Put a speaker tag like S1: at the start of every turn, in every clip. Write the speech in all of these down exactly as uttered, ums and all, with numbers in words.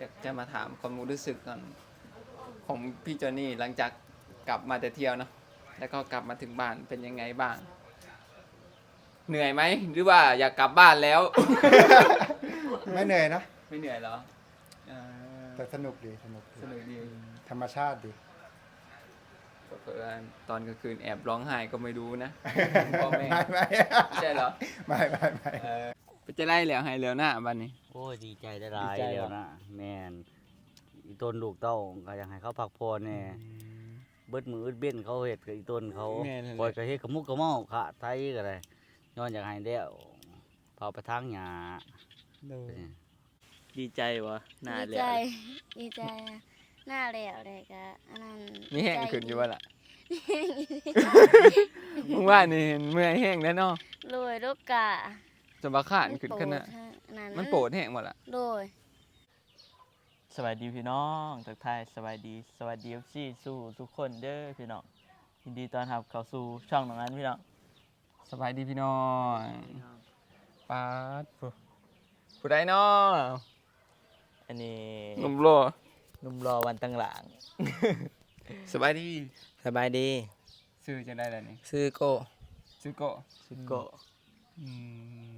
S1: อยากจะมาถามความรู้สึกก่อนของพี่จอนนี่หลังจากกลับมาแต่เที่ยวเนาะแล้วก็กลับมาถึงบ้านเป็นยังไงบ้างเหนื่อยไหมหรือว่าอยากกลับบ้านแล้ว
S2: ไม่เหนื่อยนะ
S1: ไม่เหนื่อยเหรอเออ
S2: แต่สนุกดีสนุกดี
S1: สนุกดี
S2: ธรรมชาติดี
S1: เผื่อตอนกลางคืนแอบร้องไห้ก็ไม่รู้นะพ่อแม่
S2: ไม่ไม่
S1: ไม่ใช่เหรอ
S2: ไม่ไม่ไม่
S1: เออไปจะไล่แล้วให้แล้วหน้าบ้านนี้
S3: โอ้ยดีใจได้หลาย
S1: ดีใจเหรอ
S3: แล้วนะแม่นอีต้นลูกเต้าก็อยากให้เขาพักผ่อนแน่เบิดมืออึดเบี้ยนเขาเฮ็ดกับอีต้นเขา
S1: แม่นั่นแหละ
S3: ปล่อยก็เฮ็ดกับมุกกับเมาค่ะไทยก็ได้ย้อนอยากให้แล้วพาไปทางหญ้า
S4: ดีใจวะหน้า
S5: ดี
S4: แหล
S5: ใจ
S4: ว
S5: ดีใจนะหน้าแล้วเลยก็อันนั้น
S1: มีแห้ง
S5: ใจ
S1: ขึ้นอยู่ว่าล่ะ
S5: มีแห้งอยู่
S1: มึงว่านี่เห็นเมื่อยแห้งแล้วเนาะ
S5: โดยลูกกะ
S1: จะมาขานขึ้นขนาด
S5: นั้น
S1: มันโปรดแห้งหมดละ
S5: โดย
S4: สวัสดีพี่น้องทักทายสวัสดีสวัสดีเอฟซีสู่ทุกคนเด้อพี่น้องยินดีต้อนรับเข้าสู่ช่องของนั้นพี่น้อง
S1: สบายดีพี่น้องปาดผู้ผู้ใดเนาะ
S4: อันนี้
S1: หนุ่มโล
S4: หนุ่มรอวันตั้งหลัง
S1: สบายดี
S6: สบายดี
S1: ซื้อจะได้แล้วนี่
S6: ซื้อโก้
S1: ซื้อโกะ
S4: สุดโกะ
S1: อืม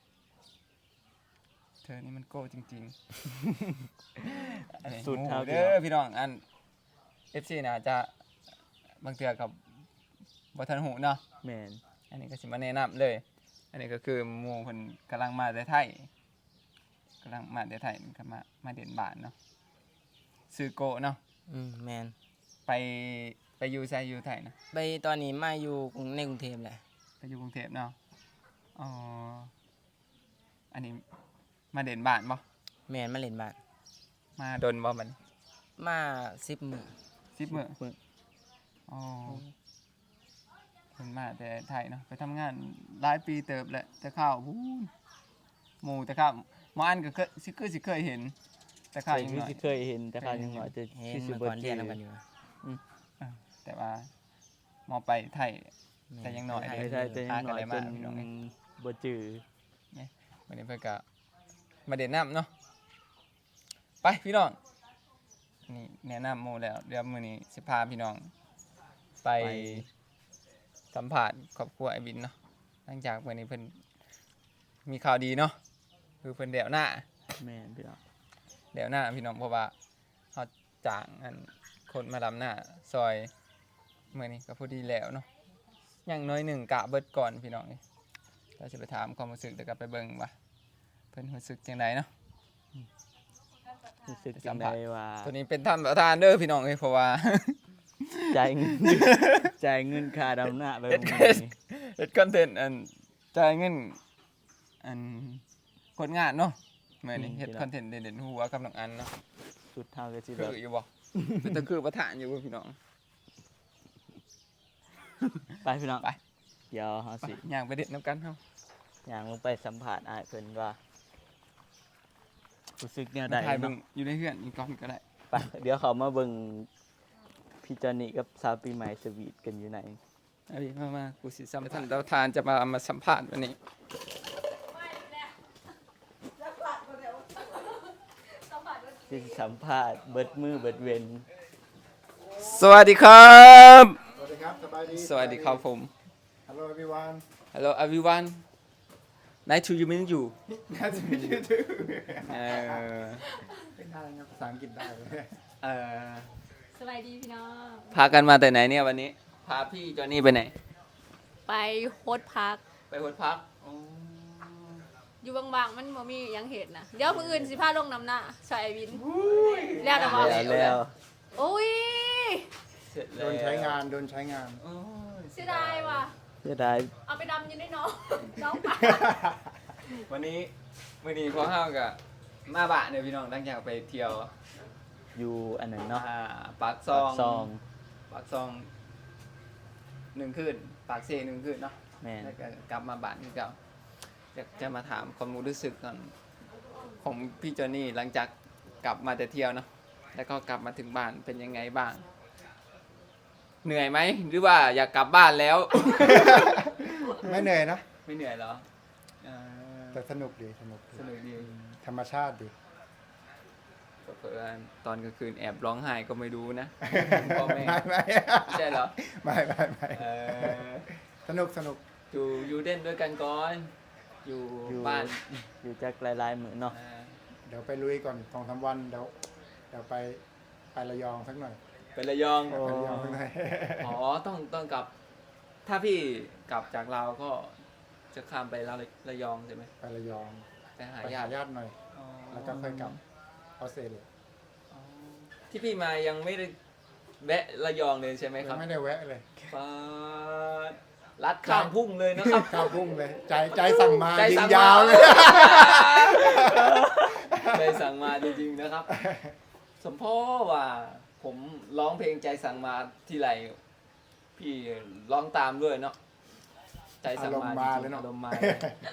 S1: เธอนี่มันโก้จริงๆอันนี้
S4: สุด
S1: หมู่
S4: เท่า
S1: เด้อพี่น้องอัน เอฟ ซี น่ะจะบางเทื่อกับบ่ทันหูเนาะ
S4: แมน
S1: อันนี้ก็สิมาแนะนำเลย อันนี้ก็คือหมู่เพิ่นกำลังมาแต่ไทยกำลังมาแต่ไทยก็มามาเด่นบ้านเนาะซื้อโกะเนาะ
S6: อืมแมน
S1: ไปไปอยู่ไสอยู่ไทยนะ
S6: ไปตอนนี้มาอยู่กรุงในกรุงเทพแหละ
S1: ไปอยู่กรุงเทพเนาะอ๋ออันนี้มาเด่นบ้านบ่
S6: แมนมาเล่นบ้าน
S1: มาดนบ่มัน
S6: มาสิบมือ
S1: สิบมื้ออ๋อเพิ่นมาแต่ไทยเนาะไปทำงานหลายปีเติบแหละแต่ข้าวพูนหมู่แต่ข้าวหมออันก็เคยสิคือสิเคยเห็น แต่
S4: เค
S1: ข้าวย ยัง
S4: คือ
S1: น้อย
S4: สิเคยเห็นแต่ข้าวยังน้อยจะ
S6: เห็น
S4: คือสิ
S6: เมื่อ
S4: บ่
S6: ก่อน
S4: เจ
S6: เรียน
S4: อ
S6: แล้วกันอยู่
S1: แต่ว่าหมอไปไทย แต่ยังน้อย
S4: ไม่ใช่แต่ยังน้อยจน
S1: พี่น้องเอ้ย
S4: บ่จือ
S1: วันนี้เพื่อนก็มาเด่นน้ำเนาะไปพี่น้องนี่แนะนำโมแล้วเดี๋ยวมื้อนี้สิพาพี่น้อง ไปสัมผัสครอบครัวไอ้บินเนาะหลังจากวันนี้เพิ่นมีข่าวดีเนาะคือเพิ่นเดี่ยวหน้า
S4: แม่นพี่น้อง
S1: เดี่ยวหน้าพี่น้องเพราะว่าเขาจ้างอันคนมาลำหน้าซอยมื้อนี้ก็พอดีแล้วเนาะอย่างน้อยหนึ่งกะเบิดก่อนพี่น้องนี่เราจะไปถามความรู้สึกเดี๋ยวกลับไปเบิ่งว่าเพิ่นรู้สึกจังไดเนาะ
S4: รู้สึกจังไดว่า
S1: ตัวนี้เป็นท่านประธานเด้อพี่น้องเอ้ยเพราะว่า
S4: จ่ายเงิน จ่ายเงินค่าดำหน้าไป
S1: เฮ็ด
S4: มื้อ
S1: เฮ็ด
S4: นี้
S1: เฮ็ดคอนเทนต์อันจ่ายเงินอันคนงานเนาะมื้อนี้เฮ็ดคอนเทนต์เด่นๆหัวกับน้องอันเนาะ
S4: สุดเท่าก็สิ
S1: คื
S4: แบ
S1: อบ อยู่บ่เป็นตะคือประธานอยู่บ่พี่น้อง
S4: ไปพี่น้อง
S1: ไป
S4: เดี๋ยวเฮา
S1: ไป
S4: สิ
S1: ย่างไปเด็ดน้ำกันเฮา
S4: ย่างลงไปสัมภาษณ์อ้ายเพิ่นว่ารู้สึกแนวใด
S1: ถ่ายเบิ่ง
S4: เนาะ
S1: อยู่ในเฮือนอีกก่อนก็ได้
S4: ไปเดี๋ยวเขามาเบิ่งพี่จอนี่กับสาวปีใหม่สวีทกันอยู่ไหน
S1: เอาดิมามากูสิสัมภาษณ์ท่านประธานจะมามาสัมภาษณ์วันนี้
S4: ที่สัมภาษณ์เบิดมือเบิดเวน
S1: สวัสดีครับ
S2: สวัสดีครับสบายดี
S1: สวัสดีครับผม
S2: Hello everyone
S1: Hello everyone Nice to meet you
S2: Nice to meet you too
S1: เออ
S2: เป็นได้ครับภาษาอังกฤษได้เลย
S1: เออ
S5: สบายดีพี่น้อง
S1: พากันมาแต่ไหนเนี่ยวันนี้ พาพี่จอนี่ไปไหน
S7: ไปโฮสต์พัก
S1: ไปวัดพัก
S7: อยู่บางๆ มันบ่มีหยังเห็นนะเดี๋ยวมื้ออื่นสิพาลงน้ำหน้าใส่ไอ้วิน แล้วแต่ว่า
S4: แล้วแล้ว
S7: โอ้ย
S1: เสร็จ
S2: โด
S1: แล้ว
S2: นใช้งานโดนใช้งาน
S1: โอ้ย
S7: เสียดายว่ะ
S4: เสียดาย
S7: เอาไปดำอยินได้น้อง น้องปลา
S1: วันนี้วันนี้พอห้าวกับมาบ้านเนี่ยพี่น้องตั้งใจไปเที่ยว
S4: อยู่อันนั้นเนาะ
S1: อ่าปากซอง
S4: ซอง
S1: ปากซองหนึ่งคืนปากเซหนึ่งคืนเนาะ
S4: แม่น
S1: แล้วก็กลับมาบ้านที่เก่าอยากจะมาถามความรู้สึกก่อนของพี่จอนนี่หลังจากกลับมาแต่เที่ยวเนาะแล้วก็กลับมาถึงบ้านเป็นยังไงบ้าง เหนื่อยไหมหรือว่าอยากกลับบ้านแล้ว
S2: ไม่เหนื่อยนะ
S1: ไม่เหนื่อยเหรอเออ
S2: แต่สนุกดีสนุกดี
S1: สนุกดี
S2: ธรรมชาติดี
S1: เเผื่อตอนกลางคืนแอบร้องไห้ก็ไม่รู้นะ พ่อแม่
S2: ไม่ไม่
S1: ใช่เหรอ
S2: ไม่ไม่ไม่
S1: เออ
S2: สนุกสนุก
S1: อยู่อยู่เด่นด้วยกันก่อนอยู่
S4: อยู่
S1: บ้าน
S4: อยู่จักหลายๆมื้อเนาะ
S1: อ่า
S2: เดี๋ยวไปลุยก่อนสองสามวันเดี๋ยวเดี๋ยวไปไประยองสักหน่อย
S1: ไประยอง
S2: ไประยองสักหน่อย
S1: อ๋อต้องต้องกลับ ถ้าพี่กลับจากลาวก็จะข้ามไประระยองใช่ไหม
S2: ไประยอง
S1: ไปหา
S2: ไป
S1: ญา
S2: หา
S1: ติ
S2: ญาติหน่อย
S1: อ๋อ
S2: แล้วก็ค่อยกลับออสเตรเลีย
S1: อ๋อที่พี่มายังไม่ได้แวะระยองเลยใช่ไหมค
S2: ยั
S1: รับ
S2: งไม่ได้แวะเลย
S1: ปาดลัดข้ามพุ่งเลยนะครับ
S2: ข้าวพุ่งเลย ใจใจสั่งมา
S1: ใจ
S2: ยิ
S1: สั่
S2: ง
S1: ง
S2: ยาวเลย
S1: ใจสั่งมาจริงๆนะครับ สมพ่อว่าผมร้องเพลงใจสั่งมาทีไรพี่ร้องตามด้วยเนาะใจสั่งมา
S2: อารมณ์มาเลยเนอะ
S1: อารมณ์มาเลย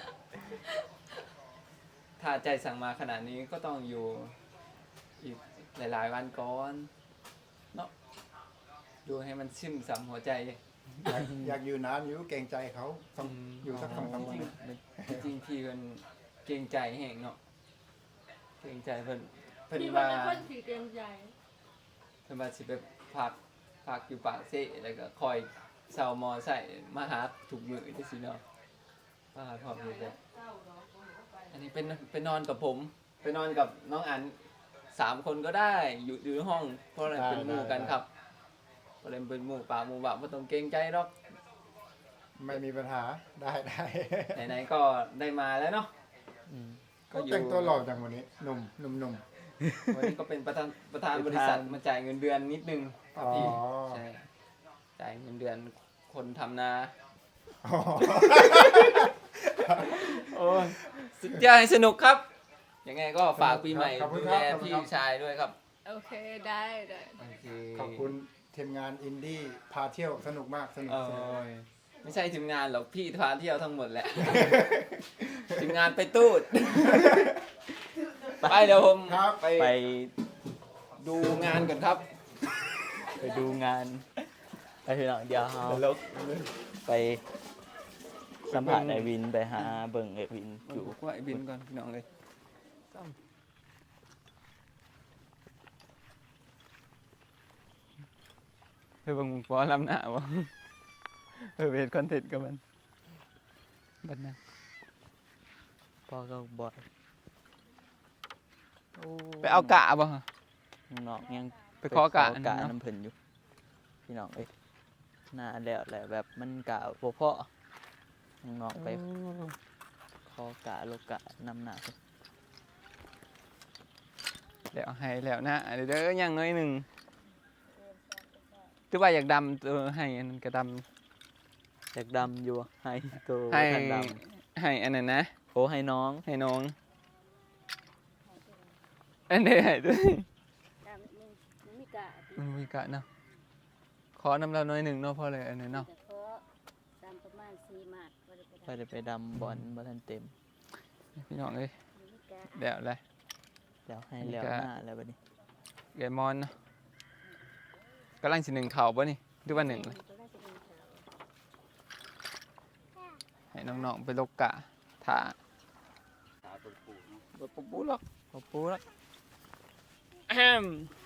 S1: ถ้าใจสั่งมาขนาดนี้ก็ต้องอยู่อีกหลายๆวันก่อนเนาะดูให้มันชิมสำหัวใจ
S2: อยากอยากอยู่นานอยู่เกรงใจเขาต้องอยู่สักสองสามวัน
S1: จริงๆพี่เป็นเกรงใจแห่งเนาะเกรงใจเพิ่นเพิ่น
S7: พี่ว่า
S1: ว่า
S7: เป็นคนขี้เกรงใจ
S1: เพิ่นว่าสิไปพักพักอยู่ปากเซ่แล้วก็คอยเซามอใส่มาหาถูกมือที่สิเนาะป้าพร้อมอยู่แบบอันนี้เป็นเป็นนอนกับผมไปนอนกับน้องอันสามคนก็ได้อยู่อยู่ในห้องเพราะอะไรเป็นหมู่กันครับเพราะอะไรเป็นหมู่ป่าหมู่บ่าไม่ต้องเกรงใจหรอก
S2: ไม่มีปัญหาได้ได้
S1: ไหนๆก็ได้มาแล้วเนาะ
S4: อืม
S1: ก็อยู่
S2: แต่งตัวหล่อจังวันนี้หนุ่มหนุ่มหนุ่ม
S1: วันนี้ก็เป็นประธานประธาน
S4: ประธาน
S1: บริษัทมาจ่ายเงินเดือนนิดนึง
S2: อ๋อ
S1: พี่ใช่จ่ายเงินเดือนคนทำนา
S2: อ๋อ
S1: โอ้ยสุดยอดให้สนุกครับ ยังไงก็ฝากปีใหม่
S2: ขอบคุณ
S1: ดู
S2: ค
S1: แล
S2: รับขอบคุณ
S1: พี่
S2: ครับ
S1: ชายด้วยครับ
S7: โอเคได้ได้
S1: โอเค
S2: ขอบคุณทีมงานอินดี้พาเที่ยวสนุกมากสนุก
S1: โอ้
S2: สนุก
S1: ยไม่ใช่ทีมงานหรอกพี่พาเที่ยวทั้งหมดแหละ ทีมงานไปตูด ไปเดี๋ยวผม
S2: ครับ
S1: ไป
S4: ไป
S1: ดูงานก่อนครับ
S4: ไปดูงานไปพี่น้องเดี๋ยวเฮา
S1: ตลก
S4: ไปสัมผัสไอวินไปหาเบิ่งไอวินอยู่
S1: กูว่าไอ้บินก่อนพี่น้องเลยเฮ้ยบังปอลำหน้าวะเออเวทคอนเทนต์กับมันบัดนั้น
S4: พ่อก็บ่อยโอ้
S1: ไปเอากะบ่ฮะ
S4: น้องยัง
S1: ไปขอกะอัน
S4: กะ
S1: นั้นเนาะ
S4: น้ำเพิ่นอยู่พี่น้องเอ้ยหน้าแล้วแหละแบบมันกะบ่พอน้องๆไปขอกะโลกะนำหน้าเพิ่น
S1: เดี๋ยวให้แล้วนะเดี๋ยวเด้อยังน้อยหนึ่งคือว่าอยากดำตัวให้อันนั้นก็ด
S4: อยากดำอยู่ให้ตัว
S1: ำให้
S4: ท่านด
S1: ให้อันนั้นนะ
S4: ำโอ้ให้น้อง
S1: ให้น้องอันนี้ให้ด้วย
S5: ตามนึงมันมีกะ
S1: มันมีกะเนาะขอน้ำเราน้อยหนึ่งเนาะเพราะอะไรอันนี้เนาะ
S5: แต่เพราะตามประมาณสี่หมาดบ่ได้ไป
S4: ไปได้ไปดำบอลบ่ทันเต็ม
S1: พี่น้องเอ้ย
S5: มีกะ
S1: เดี๋ยวเลย
S4: แล้วให้
S1: อันนี้
S4: แล้ว
S1: ก็
S4: หน้าแล้วบัดนี้
S1: เกมอนเนาะกำลังสิหนึ่งเข่าป่ะนี่หรือว่าหนึ่งเลย
S5: ตัวแรกจะเป็นขาว
S1: ให้น้องๆไปลกกะถ่าบดปุ๊บปุ๊บหรอกบดปุ๊บหรอกแอม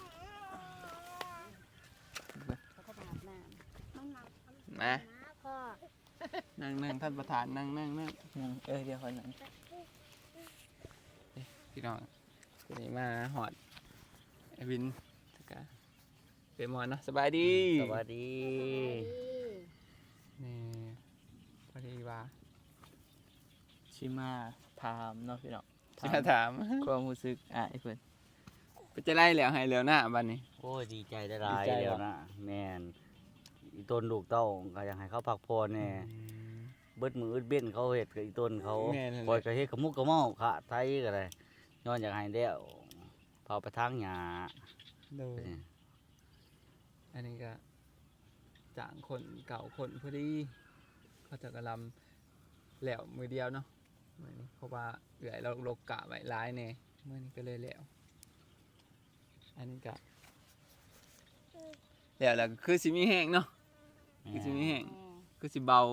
S5: เขาก็อาบน้ำน้องน้ำ
S1: มา
S5: พ่อ
S1: นั่งนั่งท่านประธานนั่งนั่งนั่ง
S4: ยังเอ้ยเดี๋ยวค่อยนั่ง
S1: พี่น้องวันนี้มาหอดไอวินตะกะเกมอนเนาะสบายดี
S3: สวัสดี
S1: นี่พอดีว่า
S4: ชิมาถามเนาะพี่น้อง
S1: จะมาถาม
S4: ความรู้สึกอ่ะไอ้เพิ่น
S1: ไปจะไล่แล้วให้แล้วหน้าบันนี้
S3: โอ้ยดีใจได้หลาย
S4: ดีใจ
S3: เดียว
S4: เหรอ
S3: นะแม่นอีต้นลูกเต้าก็อยากให้เขาพักผ่อนแน่เบิดมืออึดเบี้ยนเขาเฮ็ดกับอีต้นเขา
S1: แม่นเลย
S3: ปล่อยก็เฮ็ดกับมุกกับเมาค่ะไทยก็ได้ย้อนอยากให้แล้วเผาไปทางหญ้า
S1: ดูอันนี้ก็จางคนเก่าคนพอดีเขาจะกระลำแหลวมือเดียวเนาะมื้อนี้เพราะว่าเหลือเราลกกะไว้ร้ายแน่เมื่อนี้ก็เลยแหลวอันนี้ก็แหลวแล้วก็คือสิมีแห้งเนาะคือสิมีแห้งคือสิเบา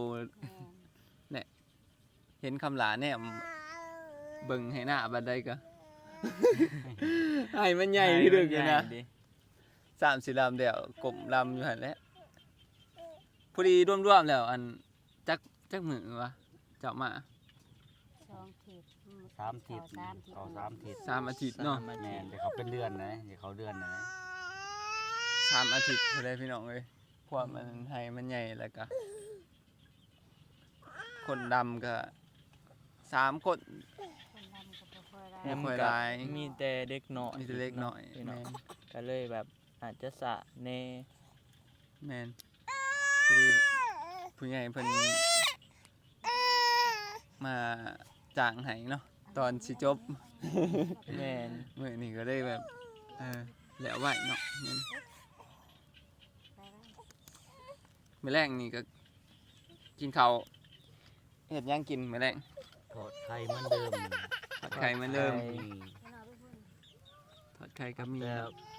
S1: เห็นคำหลาแน่เบิ่งให้หน้าบัดใดก็ให้มันใหญ่ที่ดึกอยู่นะ
S4: ใหญ่ดิ
S1: สามสี่ลำเดียวกลมลำอยู่หั่นแหละพอดีร่วมๆแล้วอันจักจักมือวะเจ้ามา
S5: สองทิศอื
S3: สามทิศ
S5: สามทิศ
S3: เอาสามทิศ
S1: สามอาทิตย์เนาะ
S4: สมอ
S3: แม่
S4: ทิต
S3: น
S4: ย์
S3: เดี๋ยวเขาเป็นเดือนนะเดี๋ยวเขาเดือนนะ
S1: สามอาทิตย์เลยพี่น้องเอ้ยพวกมันให้มันใหญ่แล้วก็คนดำก็สามคน
S5: คนดำก็บ่ค่อยได้
S1: แม่
S4: แฮม
S1: ค่อย
S4: ก็
S1: หลาย
S4: มีแต่เด็กน้อย
S1: มีแต่เล็กน้อย
S4: พี่
S1: แม
S4: น้อง
S1: น
S4: ก็เลยแบบอาจจะสะแน่
S1: แมนพอดีผู้ใหญ่เพิ่นมาจ้างให้เนาะตอนสิจบ
S4: แม่น
S1: มื้อนี้ก็ได้แบบเออแล้วไหวเนาะแม่น
S5: ไปได้
S1: มื้อแรงนี่ก็กินข้าวเฮ็ดหยังกินมื้อแรง
S3: ทอดไข่เหมือนเดิม
S1: ทอดไข่เหมือนเดิม
S3: อืม
S1: ทอดไข่ก็มี
S3: แต่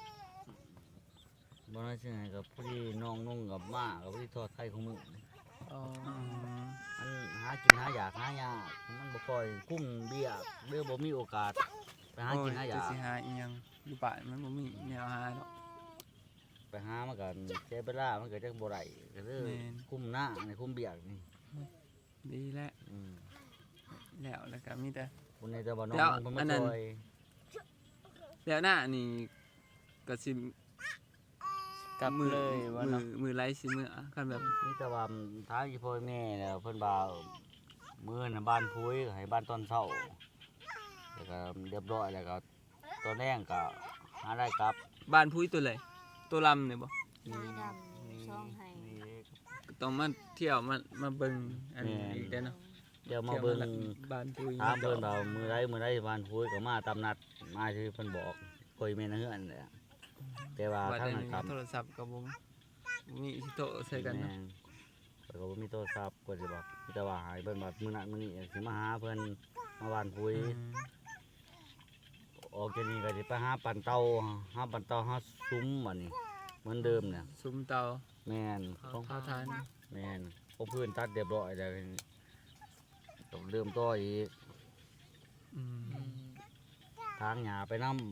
S3: บ่น่าเชื่อให้กับพอดีน้องนุ่งกับมากับพอดีทอดไข่ของมึง
S4: อ๋อ
S1: อืม
S3: มันหากินหาอยากหายากมันบ่ค่อยคุ้มเบี้ยเด้อบ่มีโอกาสไปหา
S1: โอ้
S3: กิ
S1: ย
S3: นหาอ
S1: จะ
S3: ยาก
S1: สิหาอีหยังอยู่บ้านมันบ่มีแนวหาดอก
S3: ไปหามากันเสียเวลามันก็จักบ่ได้ก็เลย
S1: แม่น
S3: คุ้มหน้าในคุ้มเบี้ยนี่
S1: ดีแล้ว
S3: อืม
S1: แล้วแล้วก็มีแต่
S3: คนในแต่ว่าน้อง
S1: แล้ว
S3: นุ่งเพิ่น
S1: อั
S3: มาน
S1: นั้น
S3: ช่วย
S1: แล้วหน้านี่ก็สิ
S4: กลับเลยว่า
S1: มื
S4: เนาะ
S1: อมือไล่สิมืออะคันแบบ
S3: มีแต่ว่าทางอีพ่อแม่แล้วเพิ่นว่ามื้อน่ะบ้านพุ้ยก็ให้บ้านตอนเช้าแล้วก็เรียบร้อยแล้วก็ตอนแรงก็หาได้กลับ
S1: บ้านพุ้ยตัวเลยตัวลำเนี่ยบ่
S5: ไม้ดำช่องให้
S3: นี่
S1: ต้องมาเที่ยวมามาเบิ่งอันนี้
S3: แม่น
S1: อีกได้อเนาะ
S3: เดี๋ยวมาเบิ่ง
S1: ที่ยวบ้านพุ้ย
S3: ถามเพิ่นว่ามื้อใดมื้อใดบ้านพุ้ยก็มาตามนัดมาที่เพิ่นบอกคุยแม่นเฮือนแหละแต่ว่า
S1: ว่า
S3: ทาง
S1: ได้
S3: นั้นครับ
S1: โทรศัพท์ก็บ่มีสิโตะใส่กันเนาะ
S3: แม่ข้อยก็บ่มีโทรศัพท์เพิ่นสิบอกมีแต่ว่าให้เพิ่นว่ามื้อนั้นมื้อนี้สิมาหาเพิ่นมาบ้านพุ้ย
S1: อืม
S3: ออกจากนี้ก็สิไปหาปั่นเตาหาปั่นเตาหาซุ้มบัดนี้เหมือนเดิมเนี่ย
S1: ซุ้มเตา
S3: แม่น
S1: เผา
S3: ของ
S1: เผาทาน
S3: แม่นพอพื้นตัดเรียบร้อยแล้วต้องเริ่มต่ออีก
S1: อืม
S4: อืม
S3: ทางหญ้าไปนำ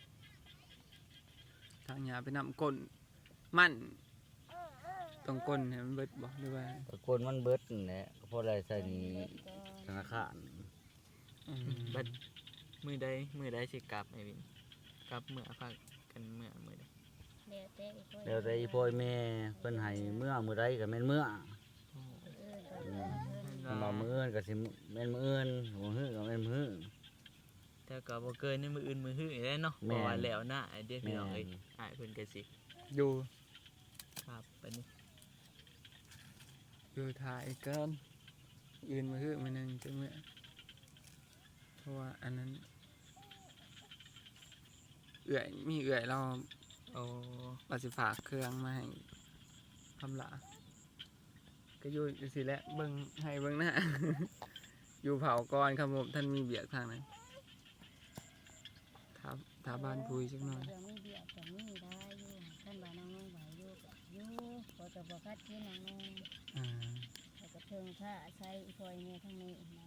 S1: ทางยาไปนำก้นมันต้องก้นให้มันเบิดบ่หรือว่า
S3: ตะโกนมันเบิดนั่นแหละก็พอได้ใส่หนี้ธนาคาร
S1: อืม
S4: บัดมือใดมือใดสิกลับไอ้วินกลับเมื่อพักกันเมื่อมือใด
S5: แล้วแต่อีกคน
S3: แล้วแต่อีพ่อแม่เพิ่นให้เมื่อมื้อใดก็แม่นเมื่อ
S5: เออก็
S3: อืม เพิ่นว่ามื้ออื่นก็สิแม่นมื้ออื่นมื้อฮื้อก็แม่นมื้อฮื้อ
S4: แต่ก็บ่เกินในมืออื่นมือหื้อได้เนาะ
S3: แม่
S4: บ่
S3: น
S4: ว่าแล้วนะไอ้เด็กพี่น้อง
S3: แม่น
S4: เอ้ยอ้ายเพิ่นก็สิ
S1: อยู่
S4: ครับบัดนี้
S1: อยู่ถ่ายเกินยืนมาคือมันนึงจังเมื่อเพราะว่าอันนั้นเอื่อยมีเอื่อยเรา
S4: โอ้
S1: ว่าสิฝากเครื่องมาให้คำหลาก็อยู่จังซี่แหละเบิ่งให้เบิ่งหน้า อยู่เผาก่อนครับผมท่านมีเบียกทางนั้นถาถาบ้านพุยจักหน่อย
S5: เรื่องมีเบียดก็มีได้อยู่ท่านบ่านางน้องไหวอยู่ก็อยู่พอจะบ่คัดที่นางน้อง
S1: อ่า
S5: แล้วก็เทิงผ้าใช้อีพอยเนี่ยทั้งนี้นะ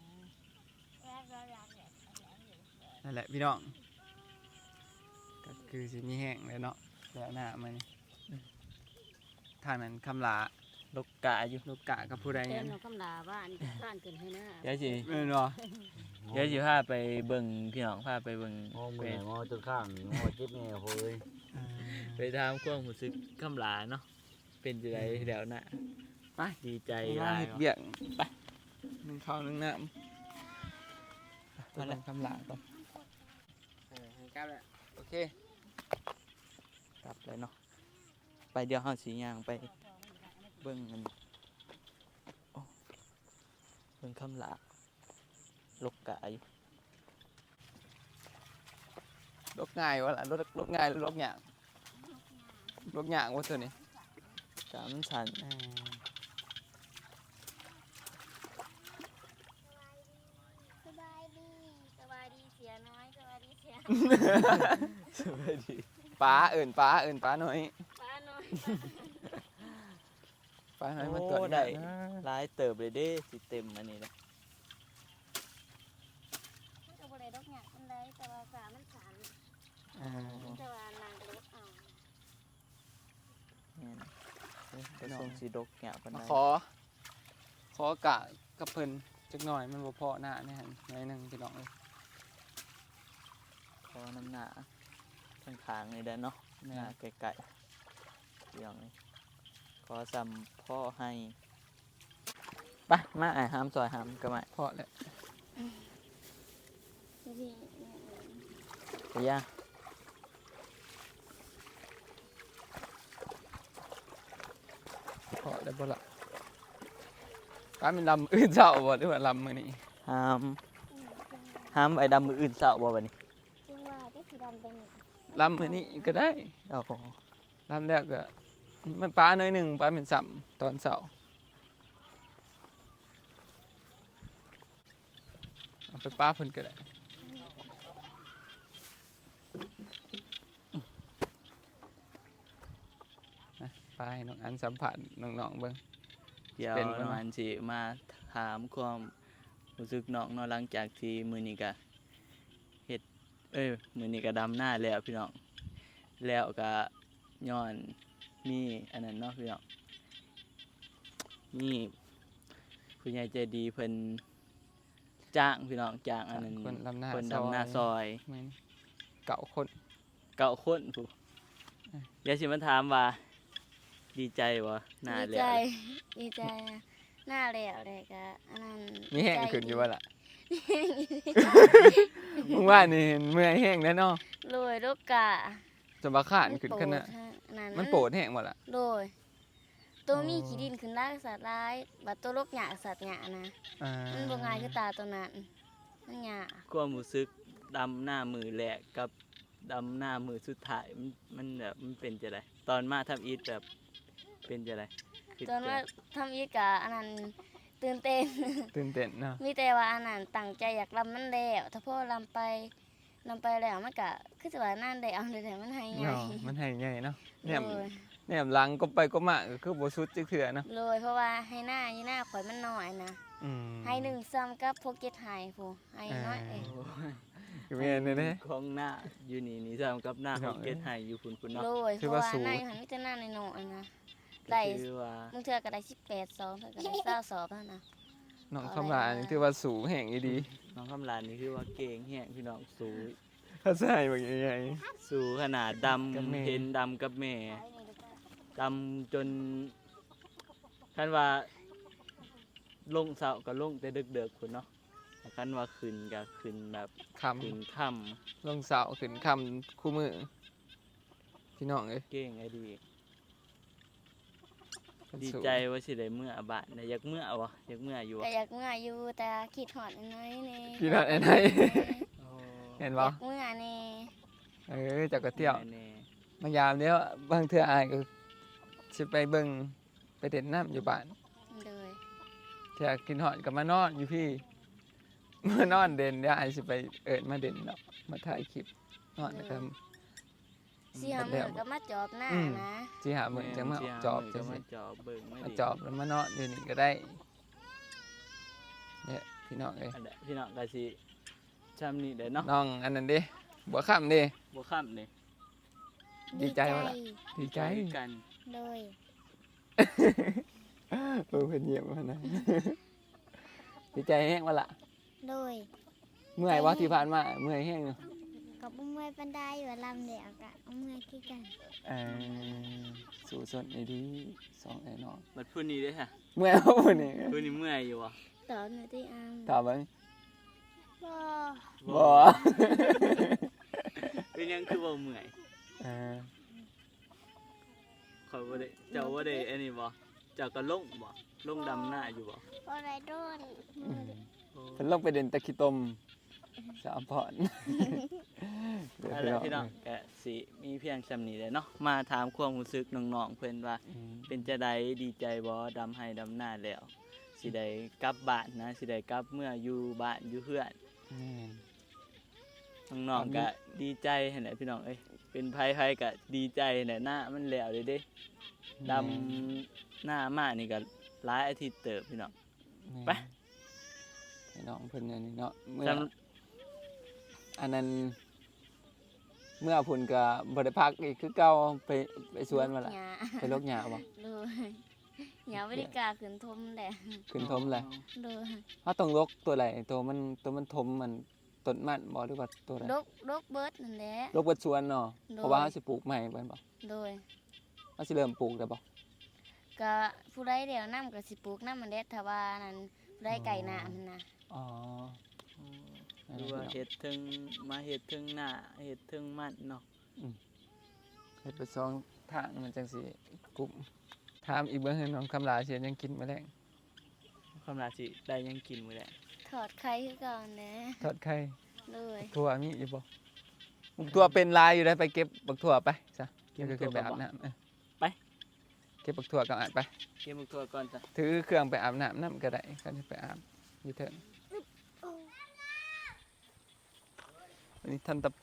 S1: นั่นแหละพี่น้องก็คือสิมีแห้งเลยเนาะแล้วหน้ามันทางนั้นคำหลา
S4: ลูกกะอยู่
S1: ลูกกะกับผู้ใด
S5: เต้
S1: งั้
S5: น
S1: น
S5: เอาคำลาบ้านบ้านเกินให้นะ
S4: เดี๋ยวสิ
S1: เออเนาะ
S4: เดี๋ยวสิพาไปเบิ่งพี่น้องพาไปเบิ่ง
S3: งอมื
S4: ไป
S3: องอจนข้างงอเจ็บแม่โหย
S4: ไปถามความรู้สึกคำลาเนาะเป็นจังไดแล้วนะ
S1: ไป
S4: ดีใจ
S1: ไป
S4: หลาย
S1: เฮ็ด
S4: เนาะ
S1: เบียกไปหนึ่งข้าวหนึ่งน้ำมาแล้วคำหลาก่อนเออให้กลับแล้วโอเค
S4: กลับเลยเนาะไปเดี๋ยวเฮาสิย่างไปเบิ่งกันโอ้เบิ่งคำลาลูกกะอยู่
S1: ลกง่ายวะล่ะลกลกง่ายหรือลกหยางลกหยางวะตัวนี้
S4: กะมันสั่น
S5: สบายดีสบายดีเสียน้อยสบายดีเสีย
S4: สวัสดี
S1: ป้าเอิ่นป้าเอิ่นป้าหน่อย
S5: ป้าน้อย
S1: ป้าหน่อยมาตรวจ
S4: โอ้
S1: งา
S4: ได้
S1: นนะ
S4: หลายเติบเลยเด้สิเต็มอันนี้นะ
S5: ก็บ่ได้ดอกหยักอันใดแต่ว่าสามันสา
S1: อ่า
S5: แต่ว่านางรถเอา
S4: แม่นเอ้ยแต่ทรงสีดกแกะปาน
S1: มา
S4: ใด
S1: ขอ ขอกะกับเพิ่นจักหน่อยมันบ่พอหน้าเนี่ยหั่นหน่อยหนึงพี่น้องเอ้ย
S4: ขอน้ำหนาข้างขางนี่ได้เนาะหน้าไก่ๆเรื่องนี้ขอซ้ำพ่อให้ไปมาไอ้หามซอยหามก็มา
S1: พอแล้ว
S5: พี่
S4: ไปย่าง
S1: พอแล้วบ่ล่ะป้าเป็นลำอื่นเช้าบ่หรือว่าลำมื้อนี้
S4: หามหามไอ้ดำมืออื่นเศร้าบ่บัดนี้
S5: จึงว่าได้สีดำเป็น
S1: ลำมื้อนี้ก็ได้
S4: โอ้โห
S1: ลำแล้วก็มันป้าหน่อยหนึงป้าเป็นซ้ำตอนเช้าเอาไปป้าเพิ่นก็ได้นะไปให้น้องอันสัมผัสน้องๆเบิ่ง
S4: เดี๋ยว
S1: เป็นบ่
S4: น้อง
S1: เนาะ
S4: อันสิมาถามความรู้สึกน้องเนาะหลังจากที่มื้อนี้ก็เฮ็ดเอ้ยมื้อนี้ก็ดำหน้าแล้วพี่น้องแล้วก็ย้อนมีอันนั้นเนาะพี่น้องมีผู้ใหญ่ใจดีเพิ่นจ้างพี่น้องจ้างอันนั้น
S1: คนลำหน้า
S4: คน
S1: ซอย
S4: ดำหน้าซอย
S1: แม่นเก่าคน
S4: เก้าคนผู้เดี๋ยวสิมาถามว่าดีใจบ่หน้า
S5: ดี
S4: แล้
S5: ใจ
S4: ว
S5: ดีใจนะหน้าแล้วเลยก็อันนั้น
S1: มีแห้ง
S5: ใจ
S1: ขึ้นอยู่ว่าล่ะ
S5: ดี
S1: มึงว่านี่เมื่อยแห้งแล้วเนาะ
S5: โรยลูกกะ
S1: จนบาขานขึ้นขนาด
S5: นั้น
S1: มันโปรดแห้งหมดล่ะ
S5: โรยตัว
S1: อ๋อ
S5: มีขี้ดินขึ้นได้สัตว์ร้ายบัดตัวลูกหยาสัตว์หยานะ
S1: อ่า
S5: มันบ่ง่ายคือตาตัวนั้นมันหยา
S4: ความรู้สึกดำหน้ามือแรกกับดำหน้ามือสุดท้ายมันมันแบบมันเป็นจะไดตอนมาทำอีทแบบเป็นจะไดคิด
S5: ตอนว่า
S4: จะ
S5: ทำอีกะอันนั้นตื่นเต้น
S1: ตื่นเต้นเนาะ
S5: มีแต่ว่าอันนั้นตั้งใจอยากลำมันแล้วถ้าพ่อลำไปลำไปแล้วมันก็คือจะว่านั่นได้เอาแต่มันให้ไง
S1: เนาะมันให้ใหญ่เนาะเนี่ย
S5: โรย
S1: เนี่ยหลังก็ไปก็มาก็คือบ่สุดจักเทื่อเนาะ
S5: โรยเพราะว่าให้หน้ายี่หน้าข่อยมันน้อยนะ
S1: อืม
S5: ให้หนึ่งซ้ำกับพวกเก็ตไฮผู้ให้น้อยเอง
S1: คือแม่นเด้
S4: ของหน้าอยู่นี่นี่ซ้ำกับหน้า
S1: พี่
S4: ข
S1: น้
S4: อ
S1: อง ง
S4: เกตไฮอยู่พุ่นพุ่น
S5: โร
S4: เนาะ
S5: ยเพ
S1: ถือ
S5: ราะ
S1: ว่า
S5: ว่า
S1: สูง
S5: หน้าอยู่หันมิจะหน้าในน้อยนะ
S4: ก็
S5: ได้
S4: คือว่า
S5: มึงเทือก็ได้สิบแปดสองเทือก็ได้เก้าสอบแล้วนะ
S1: น้องคำลานี่ถือว่าสูงแห้งอีดี
S4: น้องคำลานนี่คือว่าเก่งแฮงพี่น้องสูง
S1: ถ้าใส่บ่ใหญ่
S4: สูงขนาดด
S1: กับแม่
S4: ำเห็นดำกับแม่ดำจนคันว่าลงเสาก็ลงแต่เด็กๆพุ่นเนาะแต่คันว่าขึ้นก็ขึ้นแบบ
S1: คำ
S4: ขึ้นค่
S1: ลงเสาขึ้นคำคู่มือพี่น้องเอ้ย
S4: ำเก่งไอ้ดี
S1: มัน
S4: ดี
S1: สูง
S4: ใจว่าสิได้เมื่อบ้านนะอยากเมื่อวะอยากเมื่ออยู่
S5: ก็
S4: วะ
S5: อยากเมื่ออยู่แต่คิดหอดน้อยนี่
S1: พี่น้องไอ้ไหน
S4: โอ้
S1: เห็น
S5: อ
S1: บ่
S5: ยากเมื่อนี่
S1: เออเจักก็เที่ยว
S4: แน่
S1: มายามเดียวบางเทื่ออายก็สิไปเบิ่งไปเด่นน้ำอยู่บ้าน
S5: เลย
S1: เทื่อกินฮอดก็มานอนอยู่พี่ มานอนเด่นเดี๋ยวอายสิไปเอิ้นมาเด่นเนาะมาถ่ายคลิปนอนนะครับ
S5: เสียมือก็มาจอบหน้า
S1: อืม
S5: นะ
S1: สิหามื้อจังมา
S4: แม่น
S1: จอบ
S4: สิ
S1: จัง
S4: หา
S1: สิ
S4: มื้อก็มาจอบเบิ่งไม่
S1: มา
S4: ดี
S1: จอบแล้วมานอนอยู่นี่ก็ได้เนี่ยพี่น้องเอ้ย
S4: อันเดะพี่น้องก็สิชำนี่เด้อเนาะ
S1: น้องอันนั้นเด้บัวค่ำเด้
S4: บ่ค่ำนี่
S1: ดีใจวะล่ะ ดีใจ
S4: กัน
S5: เลย
S1: เออเพิ่นเยี่ยมมานะ ดีใจแห้งวะล่ะ
S5: เลย
S1: เมื่อยว่าที่ผ่านมาเมื่อยแห้งเนาะ
S5: กับเมื่อยปันไดอยู่ลำเดียวกะเมื่อยคือกัน
S1: เออสู่สดไอ้ดีสองไอ้น้อง
S4: บัดพุ่นนี้เด้อค่ะ
S1: เมื่อยบ่พุ่นนี่
S4: พุ่นนี้เมื่อยอยู่บ่
S5: ตอนอยู่ที่อัง
S1: ถามเบิ่ง
S5: บ่
S1: บ่
S4: เป็นหยังคือบ่เมื่อย
S1: เออ
S4: ข่อยบ่ได้เจ้าบ่ได้อันนี้บ่เจ้าก็ลงบ่ลงดำหน้าอยู่บ่
S5: บ่ได้โดน
S1: อืมเพิ่นลงไปเด่นตะขี้ตมสามพรเดี๋ยว
S4: นั่น
S1: พี่
S4: แห
S1: น้
S4: ละ
S1: อง
S4: พี่น้องก็สิมีเพียงซำนี้แหละเนาะมาถามความรู้สึกน้องๆเพิ่นว่า
S1: อืม
S4: เป็นจะได้ดีใจบ่ดำให้ดำหน้าแล้วสิได้กลับบ้านนะสิได้กลับเมื่ออยู่บ้านอยู่เพื่อน
S1: แม่น
S4: น้องๆก็ดีใจหั่นแหละพี่น้องเอ้ยเป็นไผๆก็ดีใจหั่นแหละหน้ามันแล้วเด้เด้ดำหน้ามานี่ก็หลายอาทิตย์เติบพี่น้อง ไป
S1: ให้น้องเพิ่นอันนี้เนาะเมื่อ
S4: จ
S1: อันนั้นเมื่อพุ่นก็บ่ได้พักอีกคือเก่าไปไปสวนมาละ
S5: หญ้า
S1: ไปลกหญ้าบ่
S5: เลยหญ้าบ่ได้กล้าขึ้นทมแหละ
S1: ขึ้นทมเลย
S5: เลย
S1: เฮาต้องลกตัวใดตัวมันตัวมันทมมันต้นมันบ่หรือว่าตัวใด
S5: ดกดกเบิดนั่นแหละ
S1: ลกเบิดสวนเนาะ
S5: โดย
S1: เพราะว่าเฮาสิปลูกใหม่เบิ่นบ่
S5: โดย
S1: เฮาสิเริ่มปลูกได้บ่
S5: ก็ผู้ใดเดี๋ยวนํก็สิปลูกนำมันแหละถ้าว่านั้นผู้ใดไก่น้ามันน่ะ
S1: อ๋อ
S4: หรือว่าเฮ็ดถึงมาเฮ็ดถึงหน้าเฮ็ดถึงมันเนาะ
S1: เฮ็ดไปสองทางมันจังสิกลุ่มถามอีกเบิ่งให้น้องคำลาสิยังกินมื้อแลง
S4: คำลาสิได้หยังกินมื้อแลง
S5: ถอดไข่คือเก่าแหละ
S1: ทอดไข่
S5: เลย
S1: ถั่วมีอยู่บ่บักถั่วเป็นลายอยู่ได้ไปเก็บบักถั่วไปซะ
S4: เก็บ
S1: เดี๋ยว
S4: ตั
S1: ขึ้
S4: วน
S1: ไปอาบน้ำเออ
S4: ไป
S1: เก็บบักถั่วกับอาบไป
S4: เก็บมื้อตัวก่อนจ้ะ
S1: ถือเครื่องไปอาบน้ำน้ำก็ได้ก็จะไปอาบอยู่เถิงอันนี้ท่านตะ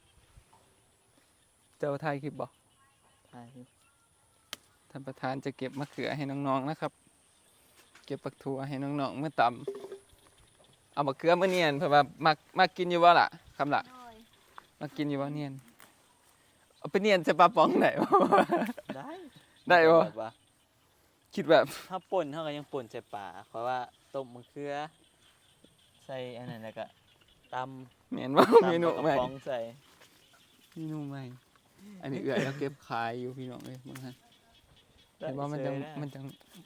S1: เจ้าไทยคลิปบอก
S4: ใช่อยู่
S1: ท่านประธานจะเก็บมะเขือให้น้องๆนะครับ เก็บปักถั่วให้น้องๆเมื่อตำเอามะเขือมาเนียนเพื่อว่ามักมักกินอยู่บ่ล่ะคำล่ะ
S5: โดย
S1: มักกินอยู่บ่เนียนเอาไปเนียนใส่ปลาป๋องไหนวะ
S4: ได้
S1: ได้บ่
S4: แบบว่า
S1: คิดแบบ
S4: ถ้าป่นเฮาก็ยังป่นใส่ปลาเพราะว่าต้มมะเขือใส่อันนั้นแล้วก็ตำ
S1: เหม็นว่า
S4: ตำ
S1: เมนู
S4: กระ
S1: ใหม่
S4: ป๋องใส่
S1: เมนูใหม่อันนี้เอื่อยแล้วเก็บขายอยู่พี่น้องเลยบางท่าน เห็นว่ามันจัง
S4: ได้
S1: มันจัง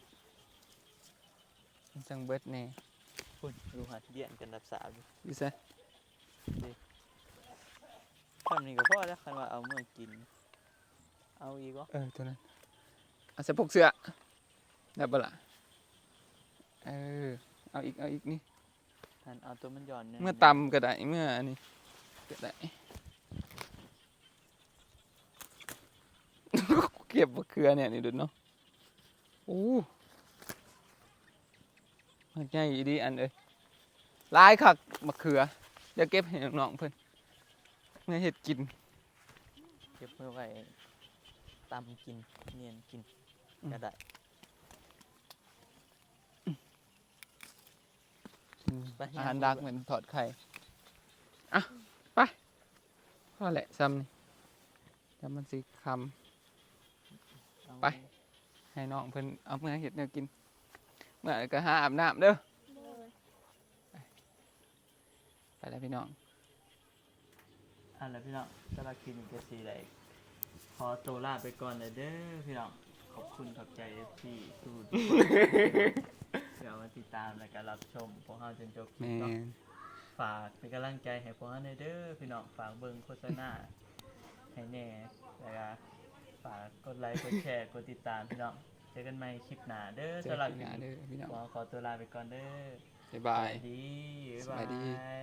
S1: มันจังเบิดแน่
S4: พุ่นดูหัดเยี่ยนกันรับสาวอยู่
S1: อยู่ซะ
S4: คำนี้ก็พอแล้วคันว่าเอาเมื่อกิน เอาอีกบ่
S1: เออตัวนั้นเอาใส่พกเสื้อได้ปะล่ะเออเอาอีกเอาอีกนี่
S4: ท่านเอาตัวมันหย่อนเนี่ย
S1: เมื่อตำก็ได้เมื่ออันนี้ก็ได้ เก็บมะเขือเนี่ยนี่ดูเนาะโอ้มันใหญ่อีดีอันเอ้ยหลายคักมะเขือเดี๋ยวเก็บให้น้องๆเพิ่นเมื่อเฮ็ดกิน
S4: เก็บเพื่อไว้ตำกินเนียนกิน
S1: อืม
S4: ก็ได้ ไป
S1: อาหารดักเหมือนถอดไข่อ่ะไปพอแหละซ้ำนี่แล้วมันสิคำ
S4: เอา
S1: ไป ให้น้องเพิ่นเอาเมื่อเห็ดแนวกิน เมื่อก็หาอาบน้ำเด้อ
S5: เลย
S1: ไปแล้วพี่น้อง
S4: อันแล้วพี่น้องสำหรับคลิปนี้ก็สีได้ขอตัวลาไปก่อนเลยเด้อพี่น้องขอบคุณขอบใจที่สู้ทุกคนที่เอามาติดตามและการรับชมพวกเราจนจบคลิ
S1: แม
S4: ปเนาะ
S1: น
S4: ฝากเป็นกำลังใจให้พวกเราหน่อยเด้อพี่น้องฝากเบิ่งโฆษณาให้แน่แล้วก็ฝากกดไลค์กดแชร์กดติดตามพี่น้องเจอกันใหม่คลิปหน้าเด้อ
S1: เจอ
S4: สำหรับ
S1: กัน
S4: คลิป
S1: หน้า
S4: นี้
S1: เด้อพี่น้อง
S4: ขอขอตัวลาไปก่อนเด้อ
S1: บ๊ายบาย
S4: สวัสดี
S1: สวัสดี
S4: บ๊ายบาย